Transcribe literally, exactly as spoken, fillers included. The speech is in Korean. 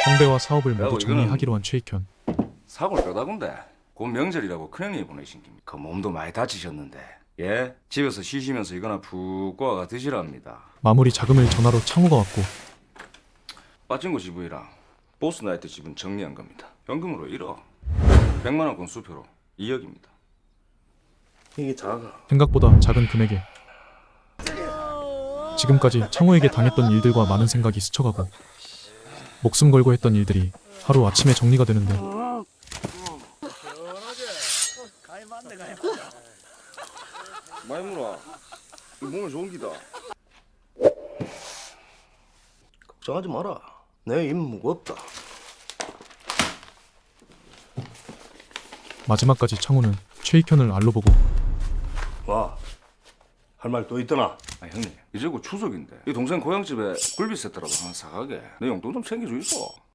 형배와 사업을 모두 야구, 정리하기로 한 최익현. 사고를 뼈다군데 곧 명절이라고 큰형님이 보내신 겁니다. 그 몸도 많이 다치셨는데 예? 집에서 쉬시면서 이거나 푹 꼬아가 드시랍니다. 마무리 자금을 전화로 창호가 왔고 빠진거 지분이랑 보스나이트 지분 정리한 겁니다. 현금으로 일억, 백만 원권 수표로 이억입니다. 이게 작아. 생각보다 작은 금액에 지금까지 창호에게 당했던 일들과 많은 생각이 스쳐가고 목숨 걸고 했던 일들이 하루 아침에 정리가 되는데 많이 물어. 이 몸에 좋은 기다. 걱정하지 마라. 내 입 무겁다. 마지막까지 창호는 최익현을 알로 보고 와, 할 말 또 있더나? 아 형님 이제 곧 추석인데 이 동생 고향집에 굴비 세트라도 하나 사가게 내 용돈 좀 챙겨주이소.